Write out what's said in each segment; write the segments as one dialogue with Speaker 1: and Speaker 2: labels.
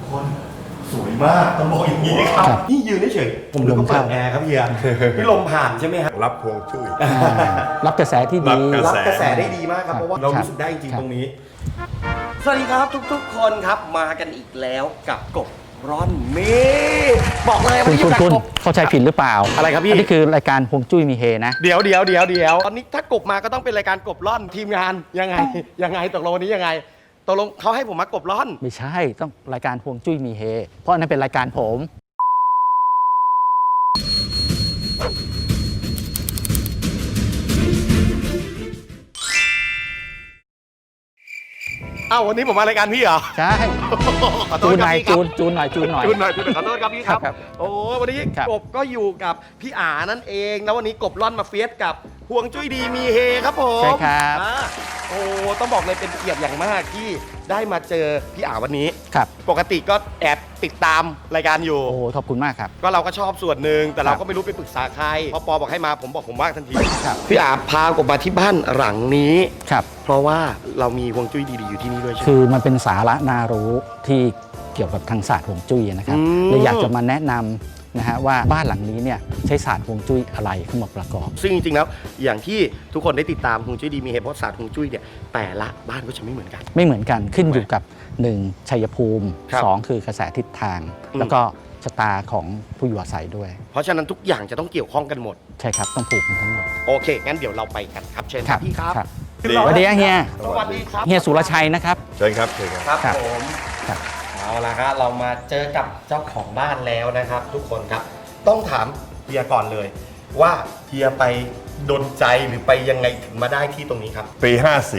Speaker 1: คนสวยมากต้องบอกอย่างนี้ครับนี่ยืนเฉยผมดูก็เปิดแอร์ครับเฮียพี่ลมผ่านใช่ไหมครับ
Speaker 2: รับพวงจุ้ย
Speaker 3: รับกระแสที่ดี
Speaker 1: รับกระแสได้ดีมากครับเพราะว่าเรารู้สึกได้จริงๆตรงนี้สวัสดีครับทุกๆคนครับมากันอีกแล้วกับกบร้อนเมบอกเลยว่า
Speaker 3: คุณเข้าใจผิดหรือเปล่า
Speaker 1: อะไรครับพี่
Speaker 3: อันนี้คือรายการฮวงจุ้ยมีเฮนะ
Speaker 1: เดี๋ยวตอนนี้ถ้ากบมาก็ต้องเป็นรายการกบร่อนทีมงานยังไงตกลงวันนี้ยังไงตกลงเขาให้ผมมากบร่อน
Speaker 3: ไม่ใช่ต้องรายการฮวงจุ้ยมีเฮเพราะอันนั้นเป็นรายการผม
Speaker 1: วันนี้ผมมารายการพี่เหรอ
Speaker 3: ใช่จูนหน่อยจูนหน่อย
Speaker 1: ขอโทษครับพี่ครับโอ้วันนี้กบก็อยู่กับพี่อานั่นเองแล้ววันนี้กบร่อนมาเฟียสกับฮวงจุ้ยดีมีเฮครับผม
Speaker 3: ใช่ครับ
Speaker 1: ต้องบอกเลยเป็นเกียรติอย่างมากที่ได้มาเจอพี่อาวันนี้
Speaker 3: ครับ
Speaker 1: ปกติก็แอบติดตามรายการอยู่
Speaker 3: โอ้ขอบคุณมากครับ
Speaker 1: ก็เราก็ชอบส่วนหนึ่งแต่เราก็ไม่รู้ไปปรึกษาใครพอปอบอกให้มาผมบอกผมว่างทันทีพี่อาพากบมาที่บ้านหลังนี้
Speaker 3: ครับ
Speaker 1: เพราะว่าเรามีฮวงจุ้ยดีๆอยู่ที่นี่ด้วยใช่ไหม
Speaker 3: คือมันเป็นสาระน่ารู้ที่เกี่ยวกับทางศาสตร์ฮวงจุ้ยนะครับเลยอยากจะมาแนะนำนะฮะว่าบ้านหลังนี้เนี่ยใช้ศาสตร์ฮวงจุ้ยอะไรเข้ามาประกอบ
Speaker 1: ซึ่งจริงๆแล้วอย่างที่ทุกคนได้ติดตามฮวงจุ้ยดีมีเหตุเพราะศาสตร์ฮวงจุ้ยเนี่ยแต่ละบ้านก็จะไม่เหมือนกัน
Speaker 3: ขึ้นอยู่กับ1ชัยภูมิ2คือกระแสทิศทางแล้วก็ชะตาของผู้อยู่อาศัยด้วย
Speaker 1: เพราะฉะนั้นทุกอย่างจะต้องเกี่ยวข้องกันหมด
Speaker 3: ใช่ครับต้องผูกกันทั้งหมด
Speaker 1: โอเคงั้นเดี๋ยวเราไปกันครับเชิญพี่ครับ
Speaker 3: สวัสดีเฮีย
Speaker 1: สวัสดีครับ
Speaker 3: เฮียสุรชัยนะครับ
Speaker 2: เชิญครับ
Speaker 1: ครับผมเอาละครับเรามาเจอกับเจ้าของบ้านแล้วนะครับทุกคนครับต้องถามเฮียก่อนเลยว่าเฮียไปดลใจหรือไปยังไงถึงมาได้ที่ตรงนี้ครับ
Speaker 2: ปี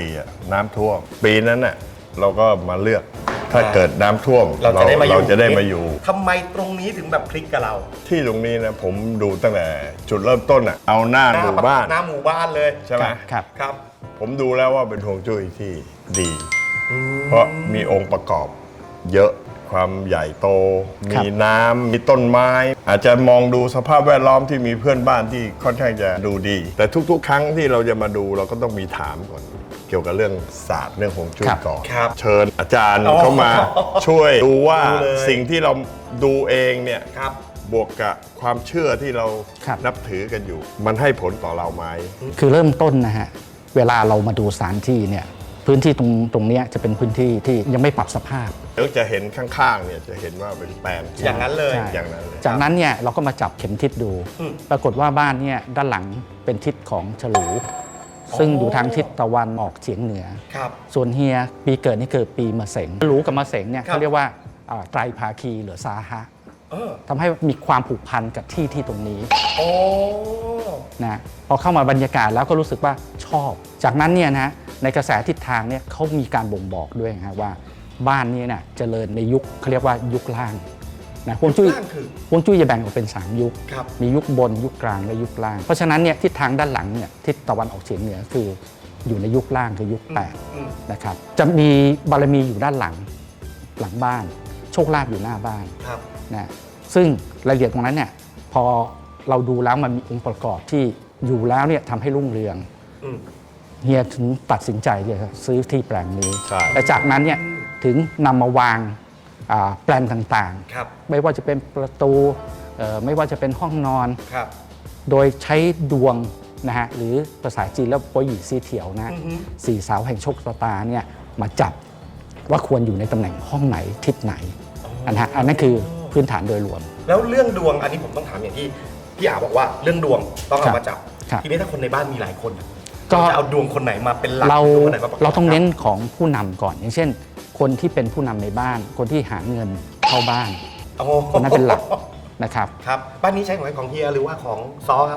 Speaker 2: 54น้ำท่วมปีนั้นน่ะเราก็มาเลือกถ้าเกิดน้ำท่วมเราจะได้มาอยู่
Speaker 1: ทำไมตรงนี้ถึงแบบคลิกกับเรา
Speaker 2: ที่ตรงนี้นะผมดูตั้งแต่จุดเริ่มต้นเอาหน้าหมู่บ้าน
Speaker 1: เลย
Speaker 2: ใช่ไหม
Speaker 1: ครับ
Speaker 2: ผมดูแล้วว่าเป็นฮวงจุ้ยที่ดีเพราะมีองค์ประกอบเยอะความใหญ่โตมีน้ำมีต้นไม้อาจจะมองดูสภาพแวดล้อมที่มีเพื่อนบ้านที่ค่อนข้างจะดูดีแต่ทุกๆครั้งที่เราจะมาดูเราก็ต้องมีถามก่อนเกี่ยวกับเรื่องศาสตร์เรื่องฮวงจุ้ยก่อนเชิญอาจารย์เข้ามาช่วยดูว่าสิ่งที่เราดูเองเนี่ยบวกกับความเชื่อที่เรานับถือกันอยู่มันให้ผลต่อเราไหม
Speaker 3: คือเริ่มต้นนะฮะเวลาเรามาดูสถานที่เนี่ยพื้นที่ตรงนี้จะเป็นพื้นที่ที่ยังไม่ปรับสภาพ
Speaker 2: เดี๋ยวจะเห็นข้างๆเนี่ยจะเห็นว่าเป็นแปลง
Speaker 1: อย่างนั้นเลย
Speaker 3: จากนั้นเนี่ยเราก็มาจับเข็มทิศดูปรากฏว่าบ้านเนี่ยด้านหลังเป็นทิศของฉลูซึ่งอยู่ทางทิศตะวันออกเฉียงเหนือส่วนเฮียปีเกิดนี่เกิดปีมะเสงฉลูกับมะเสงเนี่ยเขาเรียกว่าไตรภาคีหรือสาหะทำให้มีความผูกพันกับที่ตรงนี้นะพอเข้ามาบรรยากาศแล้วก็รู้สึกว่าชอบจากนั้นเนี่ยนะในกระแสทิศทางเนี่ยเขามีการบ่งบอกด้วยนะว่าบ้านนี้เนี่ยเจริญในยุคเขาเรียกว่ายุคล่างนะฮวงจุ้ยจะแบ่งออกเป็น3ยุคมียุคบนยุคกลางและยุคล่างเพราะฉะนั้นเนี่ยทิศทางด้านหลังเนี่ยทิศตะวันออกเฉียงเหนือคืออยู่ในยุคล่างคือยุค8นะครับจะมีบารมีอยู่ด้านหลังบ้านโชคลาภอยู่หน้าบ้านนะซึ่งรายละเอียดตรงนั้นเนี่ยพอเราดูแล้วมันมีองค์ประกอบที่อยู่แล้วเนี่ยทำให้รุ่งเรืองเฮียถึงตัดสินใจเลยครับซื้อที่แปลงนี้แต่จากนั้นเนี่ยถึงนำมาวางแปลนต่างๆไม่ว่าจะเป็นประตูไม่ว่าจะเป็นห้องนอนโดยใช้ดวงนะฮะหรือภาษาจีนแล้วโปหยี่ซีเถียวนะสี่สาวแห่งโชคชะตาเนี่ยมาจับว่าควรอยู่ในตำแหน่งห้องไหนทิศไหนอันนั้นคือพื้นฐานโดยรวม
Speaker 1: แล้วเรื่องดวงอันนี้ผมต้องถามอย่างที่พี่อาบอกว่าเรื่องดวงต้องเอามาจับทีนี้ถ้าคนในบ้านมีหลายคนก็จะเอาดวงคนไหนมาเป็นหลัก
Speaker 3: เราต้องเน้นของผู้นำก่อนอย่างเช่นคนที่เป็นผู้นำในบ้านคนที่หาเงินเข้าบ้านคนนั้นเป็นหลักนะครับ
Speaker 1: บ้านนี้ใช้ของเฮียหรือว่าของซอครับ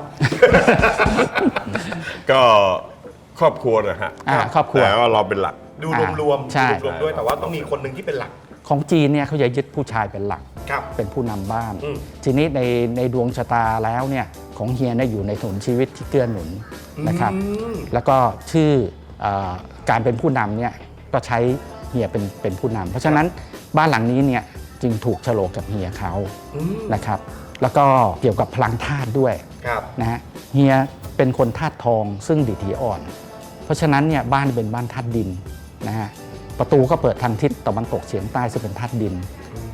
Speaker 2: ก็ครอบครัวนะฮะ
Speaker 3: ครอบครัว
Speaker 2: แต่ว่าเราเป็นหลัก
Speaker 1: ดูรวมด้วยแต่ว่าต้องมีคนหนึ่งที่เป็นหลัก
Speaker 3: ของจีนเนี่ยเขาจะยึดผู้ชายเป็นหลักเป็นผู้นำบ้านทีนี้ในดวงชะตาแล้วเนี่ยของเฮียเนี่ยอยู่ในถนนชีวิตที่เกื้อหนุนนะครับแล้วก็ชื่อการเป็นผู้นำเนี่ยก็ใช้เฮียเป็นผู้นำเพราะฉะนั้นบ้านหลังนี้เนี่ยจึงถูกโฉลกกับเฮียเขานะครับแล้วก็เกี่ยวกับพลังธาตุด้วยนะฮะเฮียเป็นคนธาตุทองซึ่งดิถีอ่อนเพราะฉะนั้นเนี่ยบ้านเป็นบ้านธาตุดินนะฮะประตูก็เปิดทางทิศตะวันตกเฉียงใต้ซึ่งเป็นธาตุดิน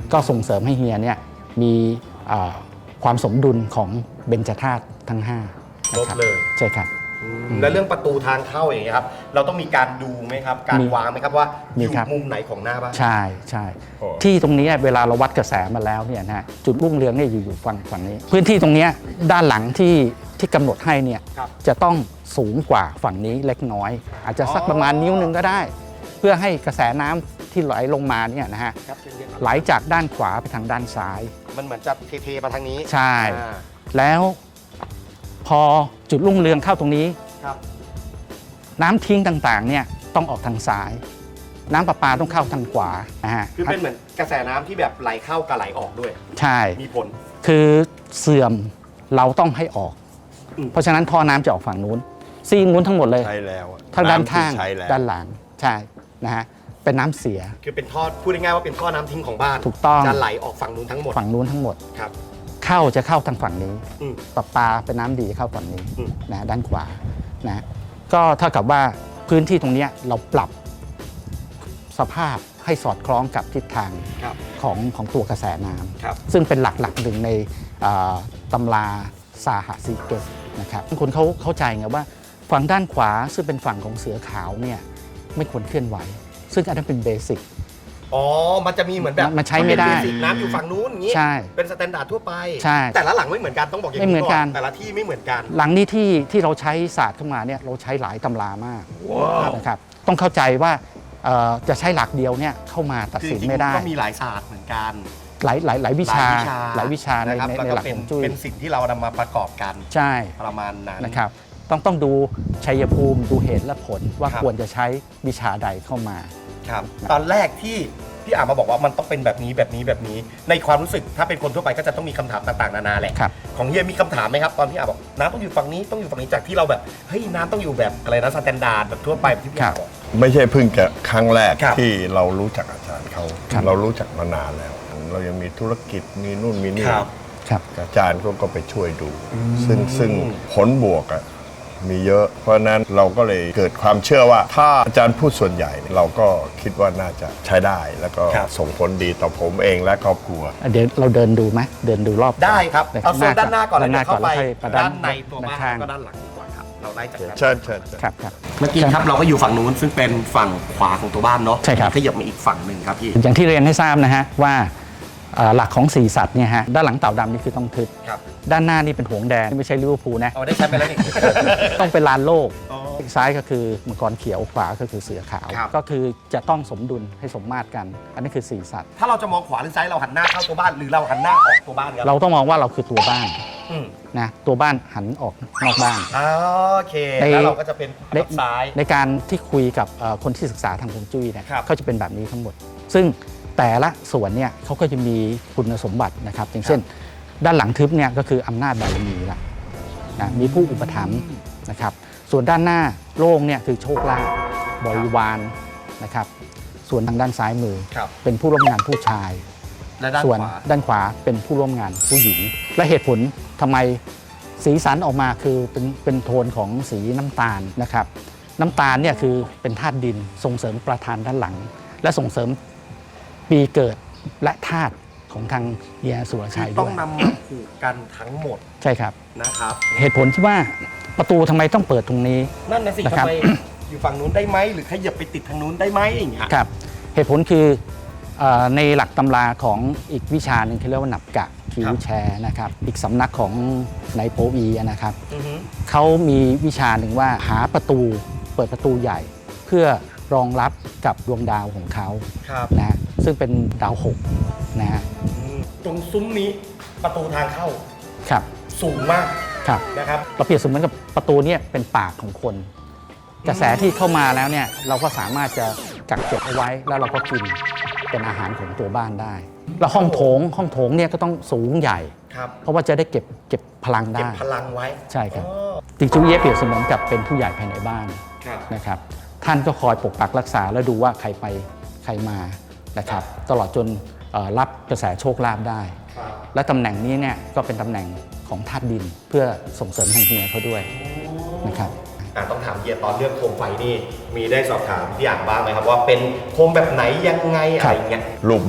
Speaker 3: ก็ส่งเสริมให้เฮียเนี่ยมีความสมดุลของเบญจธาตุทั้ง5
Speaker 1: ครบเลย
Speaker 3: ใช่ครับ
Speaker 1: แล้วเรื่องประตูทางเข้าอย่างเงี้ยครับเราต้องมีการดูไหมครับการวางไหมครับว่าอ
Speaker 3: มี
Speaker 1: ยู่
Speaker 3: ครับ
Speaker 1: มุมไหนของหน้าบ้าน
Speaker 3: ใช่ใช่
Speaker 2: โอ้
Speaker 3: ที่ตรงนี้เวลาเราวัดกระแสมาแล้วเนี่ยนะฮะจุดรุ่งเรืองเนี่ยอยู่ฝั่งนี้ พื้นที่ตรงเนี้ยด้านหลังที่กำหนดให้เนี่ย
Speaker 1: ครับ
Speaker 3: จะต้องสูงกว่าฝั่งนี้เล็กน้อย อาจจะสักประมาณนิ้วนึงก็ได้ เพื่อให้กระแสน้ำที่ไหลลงมาเนี่ยนะฮะ
Speaker 1: ครับเชิญเรียนครับ
Speaker 3: ไหลจากด้านขวาไปทางด้านซ้าย
Speaker 1: มันเหมือนจะเทๆมาทางนี้
Speaker 3: ใช่
Speaker 1: อ่า
Speaker 3: แล้วพอจุดรุ่งเรืองเข้าตรงนี้
Speaker 1: ครับ
Speaker 3: น้ำทิ้งต่างๆเนี่ยต้องออกทางซ้าย น้ำประปาต้องเข้าทางขวานะฮะ
Speaker 1: คือเป็นเหมือนกระแสน้ำที่แบบไหลเข้ากับไหลออกด้วย
Speaker 3: ใช่
Speaker 1: มีผล
Speaker 3: คือเสื่อมเราต้องให้ออก
Speaker 1: อืม
Speaker 3: เพราะฉะนั้นท่อน้ำจะออกฝั่งนู้นซีกนู้นทั้งหมดเลย
Speaker 2: ใช้แล้วอะ
Speaker 3: ทั้งด้านข้าง
Speaker 2: ำที่ใช้แล้ว
Speaker 3: ด้านหลังใช่นะฮะเป็นน้ำเสีย
Speaker 1: คือเป็นท่อพูดง่ายๆว่าเป็นท่อน้ำทิ้งของบ้าน
Speaker 3: ถูกต้อง
Speaker 1: จะไหลออกฝั่งนู้นทั้งหมด
Speaker 3: ฝั่งนู้นทั้งหมด
Speaker 1: ครับ
Speaker 3: จะเข้าทางฝั่งนี้
Speaker 1: อืม
Speaker 3: ประปาเป็นน้ำดีเข้าฝั่งนี้
Speaker 1: อืม
Speaker 3: นะด้านขวานะก็เท่ากับว่าพื้นที่ตรงเนี้ยเราปรับสภาพให้สอดคล้องกับทิศทาง
Speaker 1: ครับ
Speaker 3: ของตัวกระแสน้ำ
Speaker 1: ครับ
Speaker 3: ซึ่งเป็นหลักหนึ่งในตำราสาหสีเกตนะครับคนเขาเข้าใจไงว่าฝั่งด้านขวาซึ่งเป็นฝั่งของเสือขาวเนี่ยไม่ควรเคลื่อนไหว ซึ่งอันนั้นเป็นเบสิก
Speaker 1: อ๋อ มันจะมีเหมือนแบบ
Speaker 3: มันใช้ไม่ได้
Speaker 1: เป็นเบสิกน้ำอยู่ฝั่งนู้นอย่างงี้
Speaker 3: ใช่
Speaker 1: เป็นสแตนดาร์ดทั่วไป
Speaker 3: ใช่
Speaker 1: แต่ละหลังไม่เหมือนกันต้องบอกอย่าง
Speaker 3: ไม่เหมือนกัน
Speaker 1: แต่ละที่ไม่เหมือนกัน
Speaker 3: หลังนี้ที่เราใช้ศาสตร์เข้ามาเนี่ยเราใช้หลายตำรามากนะครับต้องเข้าใจว่าจะใช้หลักเดียวเนี่ยเข้ามาตัด
Speaker 1: คือ
Speaker 3: สิน
Speaker 1: จริง
Speaker 3: ไม่ได้
Speaker 1: ๆก็มีหลายศาสตร์เหมือนกัน
Speaker 3: หลายวิชาหลายวิชาใน
Speaker 1: นะครับ
Speaker 3: ใน
Speaker 1: แล้ว
Speaker 3: ใน
Speaker 1: ก็
Speaker 3: หลัก
Speaker 1: เป็
Speaker 3: ข
Speaker 1: น
Speaker 3: องจุ้ย
Speaker 1: เป็นสิ่งที่เรานำมาประกอบกัน
Speaker 3: ใช่
Speaker 1: ประมาณนั้น
Speaker 3: นะครับต้องดูชัยภูมิดูเหตุและผลว่า
Speaker 1: ครับ
Speaker 3: ควรจะใช้วิชาใดเข้ามา
Speaker 1: ครับตอนแรกที่พี่อ่านมาบอกว่ามันต้องเป็นแบบนี้แบบนี้แบบนี้ ในความรู้สึกถ้าเป็นคนทั่วไปก็จะต้องมีคำถามต่างๆนานาแหละ
Speaker 3: ครับ
Speaker 1: ของเฮียมีคำถามไหมครับตอนพี่อ่านบอกน้ำต้องอยู่ฝั่งนี้ต้องอยู่ฝั่งนี้จากที่เราแบบเฮ้ยน้ำต้องอยู่แบบอะไรนะสแตนดาร์ดแบบทั่วไปแบบที่พี่อ่านบอก
Speaker 2: ไม่ใช่เพิ่งจะครั้งแรก
Speaker 1: ครับ
Speaker 2: ที่เรารู้จักอาจารย์เขา
Speaker 3: ครับ
Speaker 2: เรารู้จักมานานแล้ว เรายังมีธุรกิจมีนู่นมีนี่
Speaker 1: ครับ
Speaker 3: ครับ
Speaker 2: อาจารย์ก็ไปช่วยดู ซึ่งผลบวกอะมีเยอะ เพราะฉะนั้นเราก็เลยเกิดความเชื่อว่า ถ้าอาจารย์พูดส่วนใหญ่ เราก็คิดว่าน่าจะใช้ได้ แล้วก็
Speaker 1: ครับ
Speaker 2: ส่งผลดีต่อผมเองและครอบครัว
Speaker 3: เดี๋ยวเราเดินดูไหมเดินดูรอบ
Speaker 1: ได้ครับเอาโซนด้านหน้าก่อนแล้ว
Speaker 3: ด้านหน้า
Speaker 1: เดี๋ยวเข้าไป
Speaker 3: แล้วค่อย
Speaker 1: ด้านในตัวบ้าน
Speaker 3: ข้าง
Speaker 1: ก็ด้านหลังดีกว่าครับเราไล่จากด้าน
Speaker 2: เชิญเชิญ
Speaker 3: ครับครับ
Speaker 1: เมื่อกี้ครับเราก็อยู่ฝั่งนู้นซึ่งเป็นฝั่งขวาของตัวบ้านเนาะ
Speaker 3: ใช่ครับ
Speaker 1: ขยับมาอีกฝั่งหนึ่งครับพี่
Speaker 3: อย่างที่เรียนให้ทราบนะฮะว่าหลักของสีสัตว์เนี่ยฮะด้านหลังเต่าดำนี่คือต้องทึบ
Speaker 1: ครับ
Speaker 3: ด้านหน้านี่เป็นหงส์แดงไม่ใช่ลิเวอร์พูลนะ
Speaker 1: เอาได้ใช้ไปแล้วนี่
Speaker 3: ต้องเป็นลานโลก
Speaker 1: อ๋อ
Speaker 3: ซ้ายก็คือมังกรเขียวขวาก็คือเสือขาว
Speaker 1: ครับ
Speaker 3: ก็คือจะต้องสมดุลให้สมมาตรกัน อันนี้คือสีสัตว์
Speaker 1: ถ้าเราจะมองขวาหรือซ้ายเราหันหน้าเข้าตัวบ้านหรือเราหันหน้าออกตัวบ้านครับ
Speaker 3: เราต้องมองว่าเราคือตัวบ้าน
Speaker 1: อืม
Speaker 3: นะตัวบ้านหันออกนอกบ้าน
Speaker 1: โอเค
Speaker 3: ใน
Speaker 1: แล้วเราก็จะเป็นฝั่งซ้าย
Speaker 3: ในการที่คุยกับคนที่ศึกษาทางฮวงจุ้ยเนี่ย
Speaker 1: ครับ
Speaker 3: เขาจะเป็นแบบนี้ทั้งหมด ซึ่งแต่ละส่วนเนี่ยเขาก็จะมีคุณสมบัตินะครับ อย่างเช่น ด้านหลังทึบเนี่ยก็คืออำนาจบารมีละนะมีผู้อุปถัมภ์นะครับส่วนด้านหน้าโล่งเนี่ยคือโชคลาภบริวารนะครับส่วนทางด้านซ้ายมือ
Speaker 1: ครับ
Speaker 3: เป็นผู้ร่วมงานผู้ชาย
Speaker 1: และด้าน
Speaker 3: ส่วน
Speaker 1: ขวา
Speaker 3: ด้านขวาเป็นผู้ร่วมงานผู้หญิง และเหตุผลทำไมสีสันออกมาคือเป็นโทนของสีน้ำตาลนะครับ น้ำตาลเนี่ยคือเป็นธาตุดินส่งเสริมประธานด้านหลัง และส่งเสริมปีเกิดและธาตุของทางเฮียสุรชัย
Speaker 1: ต้
Speaker 3: ด้
Speaker 1: อ
Speaker 3: ว
Speaker 1: ง
Speaker 3: ย
Speaker 1: นำมาผูกกันทั้งหมด
Speaker 3: ใช่ครับ
Speaker 1: นะครับ
Speaker 3: เหตุผลที่ว่าประตูทำไมต้องเปิดตรงนี้
Speaker 1: นั่นนะสิ
Speaker 3: นะค
Speaker 1: ทำ
Speaker 3: รับ
Speaker 1: ไมอยู่ฝั่งนู้นได้ไหมหรือขยับไปติดทางนู้นได้ไหมอย่างเงี้ย
Speaker 3: ครับเหตุผลคือในหลักตำราของอีกวิชาหนึ่งที่เรียกว่าหนับกะคิวแชร์นะครับอีกสำนักของนายโปอีนะครับ
Speaker 1: อือฮึ
Speaker 3: เขามีวิชาหนึ่งว่าหาประตูเปิดประตูใหญ่ เพื่อรองรับกับดวงดาวของเขา
Speaker 1: ครับ
Speaker 3: นะฮะซึ่งเป็นดาวหกนะฮะ
Speaker 1: ตรงซุ้มนี้ประตูทางเข้า
Speaker 3: ครับ
Speaker 1: สูงมาก
Speaker 3: ครับ
Speaker 1: นะครับ
Speaker 3: เราเปรียบเสมือนกับประตูเนี่ยเป็นปากของคน กระแสที่เข้ามาแล้วเนี่ยเราก็สามารถจะกักเก็บเอาไว้แล้วเราก็กินเป็นอาหารของตัวบ้านได้ แล้วห้องโถงเนี่ยก็ต้องสูงใหญ่
Speaker 1: ครับ
Speaker 3: เพราะว่าจะได้เก็บพลัง
Speaker 1: เก็
Speaker 3: ได้
Speaker 1: บพลังไว้
Speaker 3: ใช่ครับ
Speaker 1: อ๋อ
Speaker 3: ติงจูเย่เปรียบเสมือนกับเป็นผู้ใหญ่ภายในบ้าน
Speaker 1: ครับ
Speaker 3: นะครับท่านก็คอยปกปักรักษาและดูว่าใครไปใครมานะครับตลอดจนรับกระแสโชคลาภได้
Speaker 1: ครับ
Speaker 3: และตำแหน่งนี้เนี่ยก็เป็นตำแหน่งของธาตุดินเพื่อส่งเสริมทางเฮียเขาด้วยนะครับ
Speaker 1: ต้องถามเฮียตอนเลือกโคมไฟนี่มีได้สอบถามพี่อ่านบ้างไหมครับว่าเป็นโคมแบบไหนยังไงอะไรอย่างเงี้ย
Speaker 2: รูปแบบอะ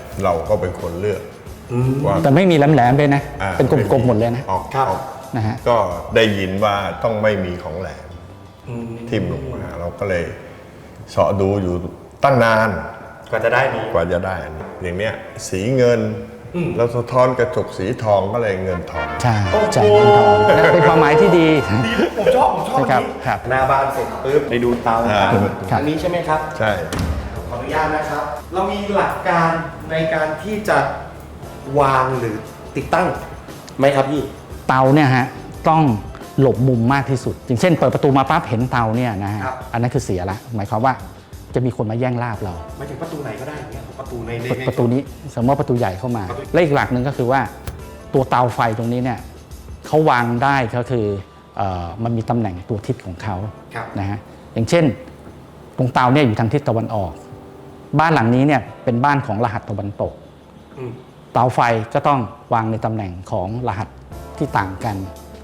Speaker 2: เราก็เป็นคนเลือกว่า
Speaker 3: แต่ไม่มีแหลมๆเลยนะ
Speaker 2: อ่า
Speaker 3: เป็นกลมๆหมดเลยนะ
Speaker 2: ออก
Speaker 1: ครับ
Speaker 2: ออก
Speaker 3: นะฮะ
Speaker 2: ก็ได้ยินว่าต้องไม่มีของแหลมทิ่มลงมาเราก็เลยเสาะดูอยู่ตั้งนาน
Speaker 1: กว่าจะได้นี้
Speaker 2: กว่าจะได้อันนี้อย่างเนี้ยสีเงินแล้วสะท้อนกระจกสีทองก็เลยเงินทอง
Speaker 3: ใช่
Speaker 1: โอ้โห
Speaker 3: จ่ายเงินทองและเป็นความหมายที่ดี
Speaker 1: ดีผมชอบ
Speaker 3: ใช่ครับ
Speaker 1: อันนี้
Speaker 3: ครับ
Speaker 1: หน้าบ้านเสร็จปุ๊บไปดูเตา
Speaker 2: อ่า
Speaker 1: อันนี้ใช่ไหมครับ
Speaker 2: ใช่
Speaker 1: ขออนุญาตนะครับ เรามีหลักการในการที่จะวางหรือติดตั้งไหมครับพี่
Speaker 3: เตาเนี่ยฮะต้องหลบมุมมากที่สุด อย่างเช่นเปิดประตูมาปั๊บเห็นเตาเนี่ยนะฮะ
Speaker 1: ครับ
Speaker 3: อันนั้นคือเสียละหมายความว่าจะมีคนมาแย่งลาบเรา
Speaker 1: หมายถึงประตูไหนก็ได้อย่างเงี้ยประตูใน
Speaker 3: ประตูนี้สมมติว่าประตูใหญ่เข้ามา และอีกหลักหนึ่งก็คือว่าตัวเตาไฟตรงนี้เนี่ยเขาวางได้ก็คือมันมีตำแหน่งตัวทิศของเขา
Speaker 1: ครับ
Speaker 3: นะฮะอย่างเช่นตรงเตาเนี่ยอยู่ทางทิศตะวันออก บ้านหลังนี้เนี่ยเป็นบ้านของรหัสตะวันตก
Speaker 1: อืม
Speaker 3: เตาไฟก็ต้องวางในตำแหน่งของรหัสที่ต่างกัน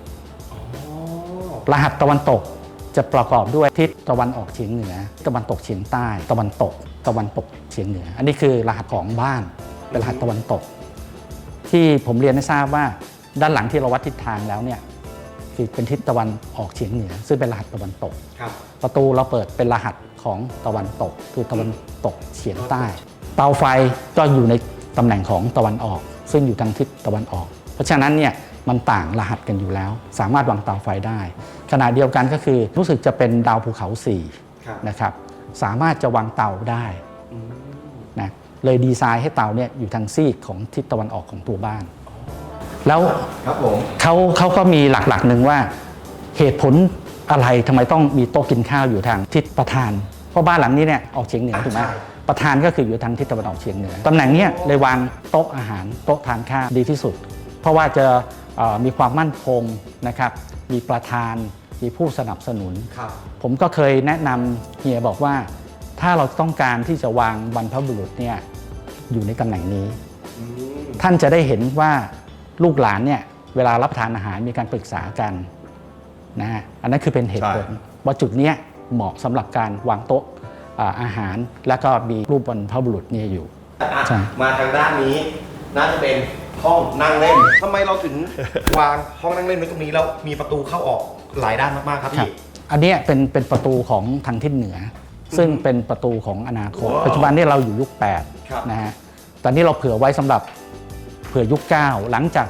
Speaker 3: รหัสตะวันตกจะประกอบด้วยทิศตะวันออกเฉียงเหนือ ตะวันตกเฉียงใต้ ตะวันตกเฉียงเหนือ อันนี้คือรหัสของบ้านเป็นรหัสตะวันตก ที่ผมเรียนให้ทราบว่าด้านหลังที่เราวัดทิศทางแล้วเนี่ยคือเป็นทิศตะวันออกเฉียงเหนือ ซึ่งเป็นรหัสตะวันตก
Speaker 1: ครับ
Speaker 3: ประตูเราเปิดเป็นรหัสของตะวันตก คือตะวันตกเฉียงใต้ เตาไฟก็อยู่ในตำแหน่งของตะวันออก ซึ่งอยู่ทางทิศตะวันออก เพราะฉะนั้นเนี่ยมันต่างรหัสกันอยู่แล้ว สามารถวางเตาไฟได้ ขณะเดียวกันก็คือรู้สึกจะเป็นดาวภูเขา
Speaker 1: ครับ
Speaker 3: 4นะครับสามารถจะวางเตาได้นะเลยดีไซน์ให้เตาเนี่ยอยู่ทางซีกของทิศตะวันออกของตัวบ้าน แล้ว
Speaker 1: ครับผม
Speaker 3: เขาก็มีหลักๆหนึ่งว่าเหตุผลอะไรทำไมต้องมีโต๊ะกินข้าวอยู่ทางทิศประธาน เพราะบ้านหลังนี้เนี่ยออกเฉียงเหนือถูกไหม
Speaker 1: ใช่
Speaker 3: ประธานก็คืออยู่ทางทิศตะวันออกเฉียงเหนือตำแหน่งเนี้ยเลยวางโต๊ะอาหารโต๊ะทานข้าวดีที่สุด เพราะว่าจะมีความมั่นคงนะครับมีประธานมีผู้สนับสนุน
Speaker 1: ครับ
Speaker 3: ผมก็เคยแนะนำเฮียบอกว่า ถ้าเราต้องการที่จะวางบรรพบุรุษเนี่ยอยู่ในตำแหน่งนี้ ท่านจะได้เห็นว่าลูกหลานเนี่ยเวลารับประทานอาหารมีการปรึกษากันนะฮะอันนั้นคือเป็นเหตุผลว่าจุดเนี้ยเหมาะสำหรับการวางโต๊ะอาหาร แล้วก็มีรูปบรรพบุรุษเนี่ยอยู่ ใช่
Speaker 1: มาทางด้านนี้น่าจะเป็นห้องนั่งเล่นทำไมเราถึง วางห้องนั่งเล่นไว้ตรงนี้แล้วมีประตูเข้าออกหลายด้านมากๆครับ
Speaker 3: ครับ
Speaker 1: พี่
Speaker 3: อันเนี้ยเป็นประตูของทางทิศเหนือ ซึ่งเป็นประตูของอนาคต ปัจจุบันนี้เราอยู่ยุค
Speaker 1: ครับ
Speaker 3: 8นะฮะตอนนี้เราเผื่อไว้สำหรับเผื่อยุค 9 หลังจาก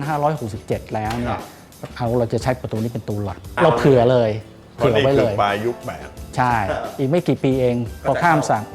Speaker 3: 2567 แล้วเนี่
Speaker 1: ครั
Speaker 3: ย
Speaker 1: บ
Speaker 3: เราจะใช้ประตูนี้เป็นตัวหลักเราเผื่อเลย
Speaker 2: เพราะ
Speaker 3: เผื่อ
Speaker 2: นี่
Speaker 3: ไว้
Speaker 2: คื
Speaker 3: เล
Speaker 2: อย ปลายยุคแบบ
Speaker 3: ใช่ อีกไม่กี่ปีเองพอข้ามสั่ง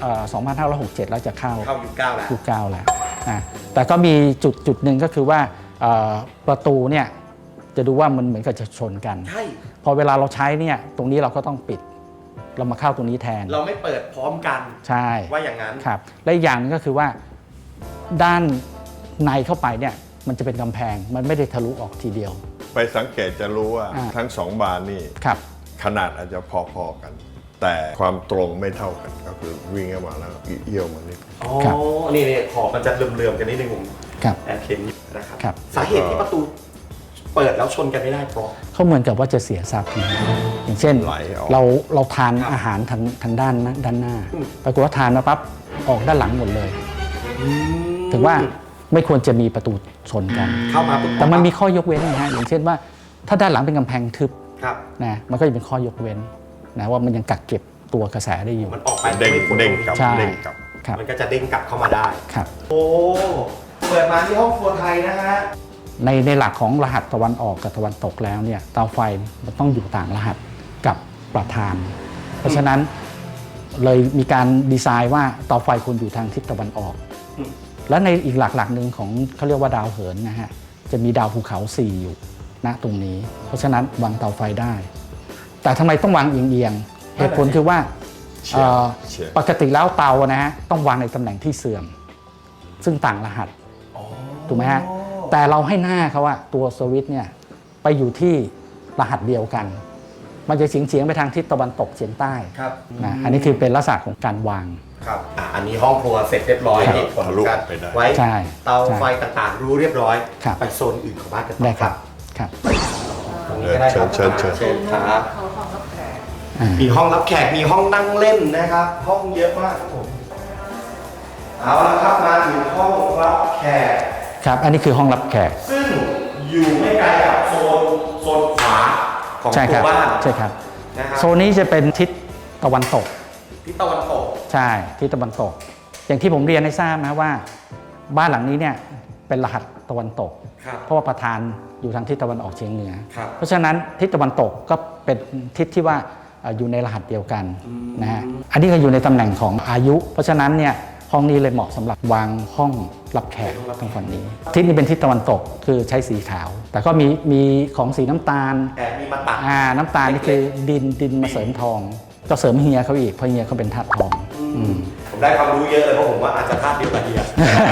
Speaker 3: 2567 แล้วจะเข้า
Speaker 1: เข้ายุคเก้าแล้ว
Speaker 3: ยุค 9 แล้วแต่ก็มีจุดหนึ่งก็คือว่าประตูเนี่ยจะดูว่ามันเหมือนกับจะชนกัน
Speaker 1: ใช่
Speaker 3: พอเวลาเราใช้เนี่ยตรงนี้เราก็ต้องปิด เรามาเข้าตรงนี้แทน
Speaker 1: เราไม่เปิดพร้อมกัน
Speaker 3: ใช่
Speaker 1: ว่าอย่างนั้น
Speaker 3: ครับและอีกอย่างหนึงก็คือว่าด้านในเข้าไปเนี่ยมันจะเป็นกำแพงมันไม่ได้ทะลุออกทีเดียว
Speaker 2: ไปสังเกตจะรู้ว่า
Speaker 3: อ่า
Speaker 2: ทั้งสองบานนี่
Speaker 3: ครับ
Speaker 2: ขนาดอาจจะพอๆกัน แต่ความตรงไม่เท่ากันก็คือวิ่งเข้ามาแล้วเอี้ยวมานิด
Speaker 1: อ๋อ
Speaker 3: ครับ
Speaker 1: นี่ขอบมันจะเหลื่อมๆกันนิดนึงผม
Speaker 3: ครับ
Speaker 1: แอบเห็นอยู่นะครับ
Speaker 3: ครับ
Speaker 1: สาเหตุที่ประตูเปิดแล้วชนกันไม่ได้เพราะ
Speaker 3: เขาเหมือนกับว่าจะเสียทรัพย์อย่างเช่น
Speaker 2: ไหลออก
Speaker 3: เราทาน
Speaker 1: ครับ
Speaker 3: อาหารทางด้านหน้า
Speaker 1: อืม
Speaker 3: ปรากฏว่าทานมาปั๊บออกด้านหลังหมดเลย ถึงว่าไม่ควรจะมีประตูชนกัน
Speaker 1: เข้ามาปุ๊บ
Speaker 3: แต่มันมีข้อยกเว้นนะฮะอย่างเช่นว่าถ้าด้านหลังเป็นกำแพงทึบ
Speaker 1: ครับ
Speaker 3: นะมันก็จะเป็นข้อยกเว้นนะว่ามันยังกักเก็บตัวกระแสได้อยู่
Speaker 1: มันออกไป
Speaker 2: เด้ง
Speaker 1: ไม่พ้น
Speaker 2: เด้งกลับ
Speaker 3: ใช่
Speaker 2: เด้งกลับ
Speaker 3: ครับ
Speaker 1: มันก็จะเด้งกลับเข้ามาได้
Speaker 3: ครับ
Speaker 1: โอ้เปิดมาที่ห้องครัวไทยนะฮะ
Speaker 3: ในหลักของรหัสตะวันออกกับตะวันตกแล้วเนี่ยเตาไฟมันต้องอยู่ต่างรหัสกับประธาน เพราะฉะนั้นเลยมีการดีไซน์ว่าเตาไฟควรอยู่ทางทิศตะวันออก
Speaker 1: อืม
Speaker 3: และในอีกหลักหนึ่งของเขาเรียกว่าดาวเหินนะฮะจะมีดาวภูเขา 4 อยู่ณตรงนี้ เพราะฉะนั้นวางเตาไฟได้ แต่ทำไมต้องวางเอียงๆเหตุผลคือว่า
Speaker 2: เฉียงเฉียง
Speaker 3: ปกติแล้วเตานะฮะต้องวางในตำแหน่งที่เสื่อม ซึ่งต่างรหัส ถูกไหมฮะ แต่เราให้หน้าเขาว่าตัวสวิตช์เนี่ยไปอยู่ที่รหัสเดียวกัน มันจะเฉียงไปทางทิศตะวันตกเฉียงใต้
Speaker 1: ครับ
Speaker 3: นะอันนี้คือเป็นลักษณะของการวาง
Speaker 1: ครับอันนี้ห้องครัวเสร็จเรียบร้อย
Speaker 3: ครับ
Speaker 1: เหตุผล
Speaker 2: ทะลุ
Speaker 1: การ
Speaker 2: ไปได้
Speaker 1: ไว้
Speaker 3: ใช่
Speaker 1: เตาไฟต่างๆ รู้เรียบร้อย
Speaker 3: ครับ
Speaker 1: ไปโซนอื่นของบ้านกันต่อ
Speaker 3: ได้ครับครับ
Speaker 1: ตรงนี้ก็ได้ครับ
Speaker 2: เชิญ
Speaker 1: เชิญครับ
Speaker 4: เขาห้องรับแขก
Speaker 3: อ่า
Speaker 1: มีห้องรับแขก มีห้องนั่งเล่นนะครับ ห้องเยอะมากครับผมเอาละครับมาถึงห้องรับแขก
Speaker 3: ครับอันนี้คือห้องรับแขก
Speaker 1: ซึ่งอยู่ไม่ไกลกับโซนขวาของ
Speaker 3: ใช่ค
Speaker 1: ตั
Speaker 3: รั
Speaker 1: วบ้าน
Speaker 3: ใช่ครับ
Speaker 1: นะครับ
Speaker 3: โซนนี้จะเป็นทิศตะวันตก
Speaker 1: ทิศตะวันตก
Speaker 3: ใช่ทิศตะวันตก อย่างที่ผมเรียนให้ทราบนะว่าบ้านหลังนี้เนี่ยเป็นรหัสตะวันตก
Speaker 1: ครับ
Speaker 3: เพราะว่าประธานอยู่ทางทิศตะวันออกเฉียงเหนือ
Speaker 1: ครับ
Speaker 3: เพราะฉะนั้นทิศตะวันตกก็เป็นทิศที่ว่าอยู่ในรหัสเดียวกันนะฮะอันนี้ก็อยู่ในตำแหน่งของอายุ เพราะฉะนั้นเนี่ยห้องนี้เลยเหมาะสำหรับวางห้องรับแขกทางฝั่งนี้ทิศนี้เป็นทิศตะวันตกคือใช้สีขาว แต่ก็มีของสีน้ำตาล
Speaker 1: แต่มีมาตัด
Speaker 3: น้ำตาลนี่คือดินมาเสริมทอง ก็เสริมเฮียเขาอีกเพราะเฮียเขาเป็นธาตุทอง
Speaker 1: ผมได้ความรู้เยอะเลยเพราะผมว่าอาจจะธาตุเดียวกับเฮีย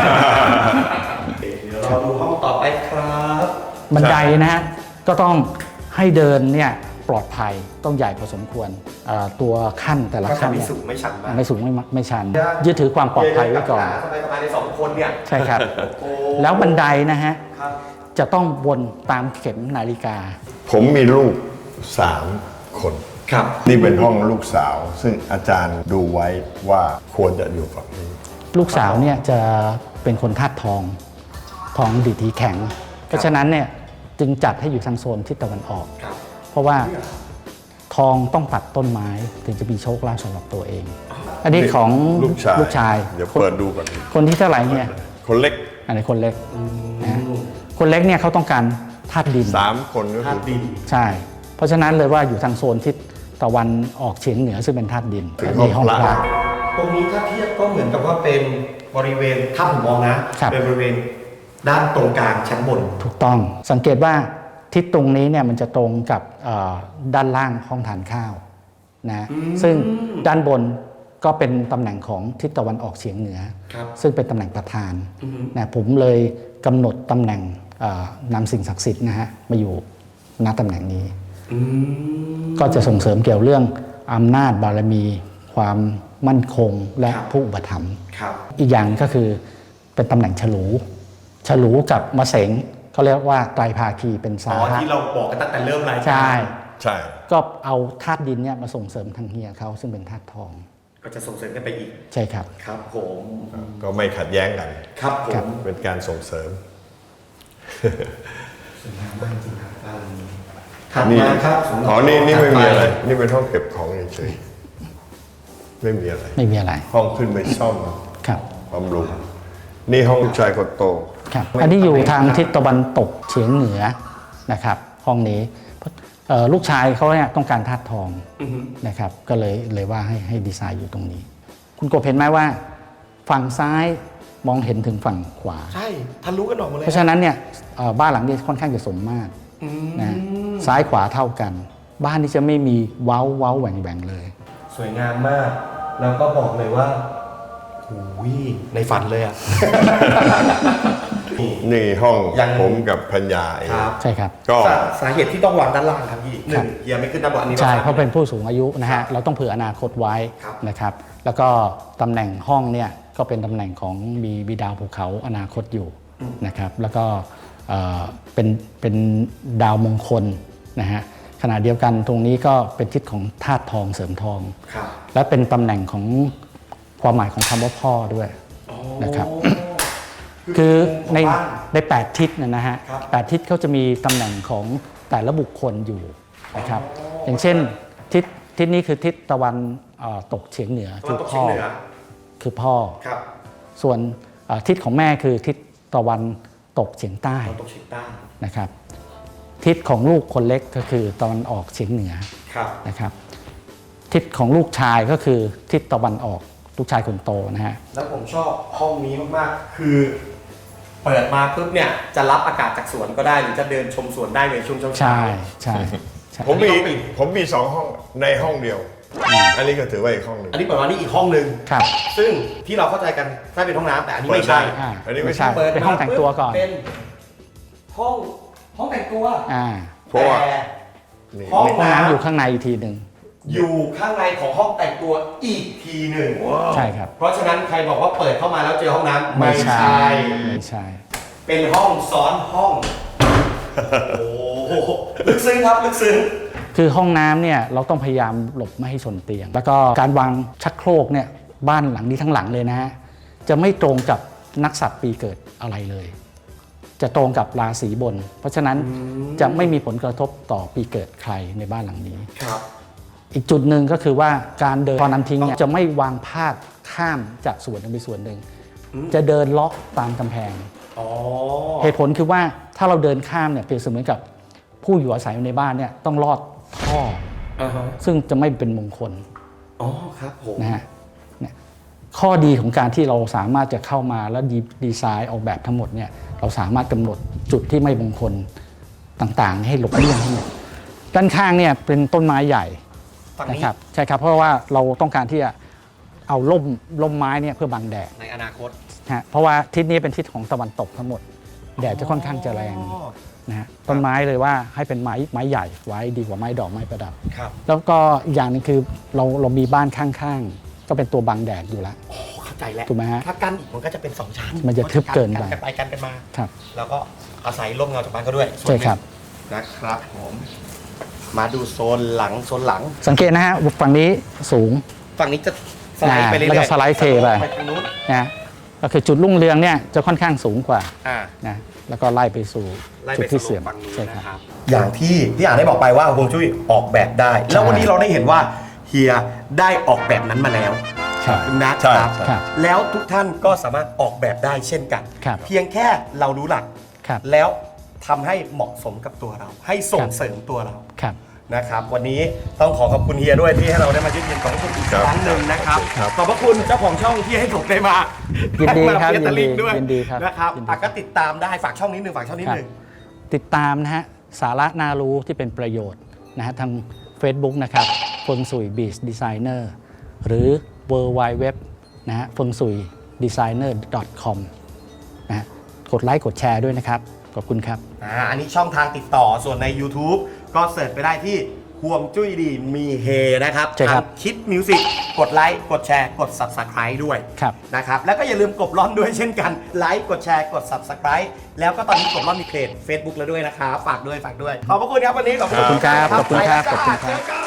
Speaker 1: เดี๋ยวเราดูห้องต่อไปครับ
Speaker 3: บันไดนะฮะก็ต้องให้เดินเนี่ยปลอดภัยต้องใหญ่พอสมควรตัวขั้นแต่ละ
Speaker 1: ก็จะ
Speaker 3: ขั้น
Speaker 1: ไม่
Speaker 3: เนี่ย
Speaker 1: สูงไม่ชันมาก
Speaker 3: ไม่สูงไม่ชันยึดถือความปลอดภัยไว้ก่อน
Speaker 1: สบายๆใน2 คนเนี่ย
Speaker 3: ใช่ครับ
Speaker 1: โอ้
Speaker 3: แล้วบันไดนะฮะ
Speaker 1: ครับ
Speaker 3: จะต้องวนตามเข็มนาฬิกา
Speaker 2: ผมมีลูก3 คน
Speaker 1: ครับ
Speaker 2: นี่เป็นห้องลูกสาว ซึ่งอาจารย์ดูไว้ว่าควรจะอยู่ฝั่งนี้
Speaker 3: ลูกสาวเนี่ยจะเป็นคนธาตุทองดีดทีแข็ง เพราะฉะนั้นเนี่ยจึงจัดให้อยู่ทางโซนทิศตะวันออก
Speaker 1: ครับ
Speaker 3: เพราะว่าทองต้องตัดต้นไม้ถึงจะมีโชคลาภสำหรับตัวเอง อันนี้ของ
Speaker 2: ลูกชาย เดี๋ยวเปิดดูก่อน
Speaker 3: คนที่เท่าไหร่เนี่ย
Speaker 2: คนเล็ก
Speaker 3: อันนี้คนเล็กนะคนเล็กเนี่ยเขาต้องการธาตุดิน
Speaker 2: 3 คนก็
Speaker 1: ธา
Speaker 2: คือ
Speaker 1: ตุดิน
Speaker 3: ใช่ เพราะฉะนั้นเลยว่าอยู่ทางโซนทิศตะวันออกเฉียงเหนือซึ่งเป็นธาตุดิน
Speaker 2: ถึง
Speaker 3: อันนี้ห้อง
Speaker 2: ห้อง
Speaker 3: พ
Speaker 2: พระ
Speaker 3: ระ
Speaker 1: ตรงนี้ถ้าเทียบก็เหมือนกับว่าเป็นบริเวณถ้าผมมองนะ
Speaker 3: ครับ
Speaker 1: เป็นบริเวณด้านตรงกลางชั้นบน
Speaker 3: ถูกต้องสังเกตว่าทิศตรงนี้เนี่ยมันจะตรงกับด้านล่างห้องทานข้าวนะซึ่งด้านบนก็เป็นตำแหน่งของทิศตะวันออกเฉียงเหนือ
Speaker 1: ครับ
Speaker 3: ซึ่งเป็นตำแหน่งประธานนะผมเลยกำหนดตำแหน่งนำสิ่งศักดิ์สิทธิ์นะฮะมาอยู่ณตำแหน่งนี้ ก็จะส่งเสริมเกี่ยวเรื่องอำนาจบารมี ความมั่นคงและ
Speaker 1: ครับ
Speaker 3: ผู้อุปถัมภ์
Speaker 1: ครับ
Speaker 3: อีกอย่างก็คือเป็นตำแหน่งฉลูกับมะเสงเขาเรียกว่าไตรภาคีเป็น
Speaker 1: อ๋
Speaker 3: สา
Speaker 1: อ
Speaker 3: ระ
Speaker 1: ที่เราบอกกันตั้งแต่เริ่มรายการ
Speaker 3: ใช่
Speaker 2: ใช่
Speaker 3: ก็เอาธาตุดินเนี่ยมาส่งเสริมทางเฮียเขาซึ่งเป็นธาตุทอง
Speaker 1: ก็จะส่งเสริมกันไปอีก
Speaker 3: ใช่ครับ
Speaker 1: ครับผม
Speaker 2: ก็ไม่ขัดแย้งกัน
Speaker 1: ครับผ
Speaker 3: ครับ
Speaker 1: ม
Speaker 2: เป็นการส่งเสริม
Speaker 1: สวยงามมากจริงครับบ้านนี้ถัดมาครับสำหรับ
Speaker 2: อ๋อ นี่ไม่มีอะไร
Speaker 1: ถัดป
Speaker 2: นี่เป็นห้องเก็บของเฉยๆไม่มีอะไร
Speaker 3: ไม่มีอะไร
Speaker 2: ห้องขึ้นไปซ่อม
Speaker 3: ครับ
Speaker 2: บำรุง นี่ห้องลูกชายคนโต
Speaker 3: ครับอันนี้อยู่ทางทิศตะวันตกเฉียงเหนือนะครับห้องนี้ลูกชายเขาเนี่ยต้องการธาตุทองนะครับก็เลยว่าให้ดีไซน์อยู่ตรงนี้ คุณกบเห็นไหมว่าฝั่งซ้ายมองเห็นถึงฝั่งขวา
Speaker 1: ใช่ทะลุกันออกมาเลย
Speaker 3: เพราะฉะนั้นเนี่ยบ้านหลังนี้ค่อนข้างจะสมมาตรนะซ้ายขวาเท่ากัน บ้านนี้จะไม่มีเว้าแหว่งเลย
Speaker 1: สวยงามมาก แล้วก็บอกเลยว่าโอ้ยในฝันเลยอ่ะ
Speaker 2: นี่ห้อง
Speaker 1: ยัง
Speaker 2: ผมกับพัญญาเอง
Speaker 1: ครับ
Speaker 3: ใช่ครับ
Speaker 2: ก็
Speaker 1: สาเหตุที่ต้องวางด้านล่างครับพี่หนึ่งเฮียไม่ขึ้นด้านบนอันนี้
Speaker 3: ใช่
Speaker 1: เรา
Speaker 3: เพราะเป็นผู้สูงอายุนะฮะเราต้องเผื่ออนาคตไว้
Speaker 1: ครับ
Speaker 3: นะครับ แล้วก็ตำแหน่งห้องเนี่ยก็เป็นตำแหน่งของมีดาวภูเขาอนาคตอยู่นะครับ แล้วก็เป็นดาวมงคลนะฮะขณะเดียวกันตรงนี้ก็เป็นทิศของธาตุทองเสริมทอง
Speaker 1: ครับ
Speaker 3: และเป็นตำแหน่งของความหมายของคำว่าพ่อด้วย นะครับ คือใน8ทิศนะฮะ
Speaker 1: ครับ
Speaker 3: 8ทิศเขาจะมีตำแหน่งของแต่ละบุคคลอยู่นะครับ อย่างเช่นทิศนี้คือทิศตะวันตกเฉียงเหนือ
Speaker 1: ตะวันตกเฉียงเหนือ
Speaker 3: คือพ่อ
Speaker 1: ครับ
Speaker 3: ส่วนทิศของแม่คือทิศตะวันตกเฉียงใต้
Speaker 1: ตะวันตกเฉียงใต้
Speaker 3: นะครับ ทิศของลูกคนเล็กก็คือตะวันออกเฉียงเหนือ
Speaker 1: ครับ
Speaker 3: นะครับ ทิศของลูกชายก็คือทิศตะวันออกลูกชายคนโตนะฮะ
Speaker 1: แล้วผมชอบห้องนี้มากๆ คือ เปิดมาปุ๊บเนี่ยจะรับอากาศจากสวนก็ได้หรือจะเดินชมสวนได้ในช่วงเช้าๆ
Speaker 3: ใช่ใช่
Speaker 2: ผมมี2 ห้องในห้องเดียว อันนี้ก็ถือว่าอีกห้องหนึ่ง
Speaker 1: อันนี้เปิดมานี่อีกห้องหนึ่ง
Speaker 3: ครับ
Speaker 1: ซึ่งที่เราเข้าใจกันถ้าเป็นห้องน้ำแต่อันนี้ไม่ใช่
Speaker 2: เปิดได้
Speaker 3: อ่า
Speaker 2: อันนี้ไม่ใช่
Speaker 3: เปิดเป็นห้องแต่งตัวก่อน
Speaker 1: เป็นห้องแต่งตัว
Speaker 2: เพราะว่า
Speaker 1: แต่
Speaker 2: นี่
Speaker 1: ห้อง
Speaker 3: ห้องน้ำอยู่ข้างในอีกทีหนึ่ง
Speaker 1: อยู่ข้างในของห้องแต่งตัวอีกทีหนึ่ง
Speaker 3: ใช่ครับ
Speaker 1: เพราะฉะนั้นใครบอกว่าเปิดเข้ามาแล้วเจอห้องน้ำ
Speaker 3: ไม่ใช่
Speaker 1: เป็นห้องซ้อนห้อง โอ้โหลึกซึ้งครับลึกซึ้ง
Speaker 3: คือห้องน้ำเนี่ยเราต้องพยายามหลบไม่ให้ชนเตียง แล้วก็การวางชักโครกเนี่ยบ้านหลังนี้ทั้งหลังเลยนะฮะจะไม่ตรงกับนักสัตว์ปีเกิดอะไรเลย จะตรงกับราศีบน เพราะฉะนั้นจะไม่มีผลกระทบต่อปีเกิดใครในบ้านหลังนี้
Speaker 1: ครับ
Speaker 3: อีกจุดหนึ่งก็คือว่าการเดินตอนน้ำทิ้งเนี่ยจะไม่วางพาดข้ามจากส่วนหนึ่งไปส่วนหนึ่ง จะเดินเลาะตามกำแพง
Speaker 1: อ๋อ
Speaker 3: เหตุผลคือว่าถ้าเราเดินข้ามเนี่ยเปรียบเสมือนกับผู้อยู่อาศัยในบ้านเนี่ยต้องลอดท่อ ซึ่งจะไม่เป็นมงคล
Speaker 1: อ๋อครับผม
Speaker 3: นะฮะเนี่ยข้อดีของการที่เราสามารถจะเข้ามาแล้วดีไซน์ออกแบบทั้งหมดเนี่ยเราสามารถกำหนดจุดที่ไม่มงคลต่างๆ ให้หลบเลี่ยงทั้งหมดด้านข้างเนี่ยเป็นต้นไม้ใหญ่
Speaker 1: ฝั่ง
Speaker 3: นะ
Speaker 1: นี้
Speaker 3: ครับใช่ครับเพราะว่าเราต้องการที่จะเอาร่มไม้เนี่ยเพื่อบังแดด
Speaker 1: ในอนาคต
Speaker 3: นะฮะเพราะว่าทิศนี้เป็นทิศของตะวันตกทั้งหมดแดดจะค่อนข้างจะแรงนะฮะต้นไม้เลยว่าให้เป็นไม้ใหญ่ไว้ดีกว่าไม้ดอกไม้ประดับ
Speaker 1: ครับ
Speaker 3: แล้วก็อีกอย่างหนึงคือเรามีบ้านข้างๆก็เป็นตัวบังแดดอยู่แล้ว
Speaker 1: โอ้เข้าใจแล้ว
Speaker 3: ถูกไหมฮะ
Speaker 1: ถ้ากั้นอีกมันก็จะเป็น2ชั้น
Speaker 3: มันจะทึบเกินไป
Speaker 1: กันไปกันมา
Speaker 3: ครับ
Speaker 1: แล้วก็อาศัยร่มเงาจากบ้านเขาด้วยส่วน
Speaker 3: ใช่
Speaker 1: หนึ่ง
Speaker 3: ครับ
Speaker 1: นะครับผมมาดูโซนหลัง
Speaker 3: สังเกตนะฮะฝั่งนี้สูง
Speaker 1: ฝั่งนี้จะสไลด์ไปเรื่อยๆ
Speaker 3: แล้วก็สไลด์เทไป
Speaker 1: ทางนู้น
Speaker 3: นะก็คือจุดรุ่งเรืองเนี่ยจะค่อนข้างสูงกว่า
Speaker 1: อ่า
Speaker 3: นะแล้วก็ไล่ไปสู่
Speaker 1: ไล่
Speaker 3: จุ
Speaker 1: ไป
Speaker 3: ดที่
Speaker 1: สู่
Speaker 3: เสื่อม
Speaker 1: ฝั่งนู้น
Speaker 3: ใช่ครับ
Speaker 1: นะครับ อย่างที่พี่อ่านได้บอกไปว่าฮวงจุ้ยออกแบบได้ แล้ววันนี้เราได้เห็นว่าเฮียได้ออกแบบนั้นมาแล้ว
Speaker 3: ครับ
Speaker 1: นะ
Speaker 2: ใช่
Speaker 1: ครับ
Speaker 2: ใช่
Speaker 3: ครับ
Speaker 1: แล้วทุกท่านก็สามารถออกแบบได้เช่นกัน
Speaker 3: ครับ
Speaker 1: เพียงแค่เรารู้หลัก
Speaker 3: ครับ
Speaker 1: แล้วทำให้เหมาะสมกับตัวเรา ให้ส่
Speaker 3: ค
Speaker 1: ง
Speaker 3: รับ
Speaker 1: เสริมตัวเรา
Speaker 3: ครับ
Speaker 1: นะครับ วันนี้ต้องขอบคุณเฮียด้วยที่ให้เราได้มายืนยันของคุณอีก
Speaker 2: ครับ
Speaker 1: ครั้งหนึ่งนะครับ
Speaker 2: ครับ
Speaker 1: ขอบพระคุณเจ้าของช่องที่ให้ผมได้มา
Speaker 3: ยินดีครับ
Speaker 1: ได้มาเฟียตะลิงด้วย
Speaker 3: ยินดีครับ
Speaker 1: นะครับ
Speaker 3: ยินดี
Speaker 1: อ่ะก็ติดตามได้ฝากช่องนิดหนึ่งฝากช่องนิดหนึ่ง
Speaker 3: ติดตามนะฮะสาระน่ารู้ที่เป็นประโยชน์นะฮะทาง Facebook นะครับฟงสุยบีชดีไซเนอร์หรือ w w w นะฮะฟงสุยดีไซเนอร์ .com นะฮะกดไลค์กดแชร์ด้วยนะครับ ขอบคุณครับ
Speaker 1: อันนี้ช่องทางติดต่อส่วนใน YouTube ก็เสิร์ชไปได้ที่ห่วงจุ้ยดีมีเฮนะครับ
Speaker 3: ใช่ครับ
Speaker 1: ทางคิดมิวสิกกดไลค์กดแชร์กด Subscribe ด้วย
Speaker 3: ครับ
Speaker 1: นะครับแล้วก็อย่าลืมกดล้อนด้วยเช่นกันไลค์กดแชร์กด Subscribe แล้วก็ตอนนี้กดล้อนมีเพจ Facebook แล้วด้วยนะครับฝากด้วยขอบพระคุณครับวันนี้ขอบ
Speaker 3: ขอบคุณครับขอบคุณครับ
Speaker 1: ไปแล้วจ้า
Speaker 3: ขอบคุณครับ
Speaker 1: เจอกัน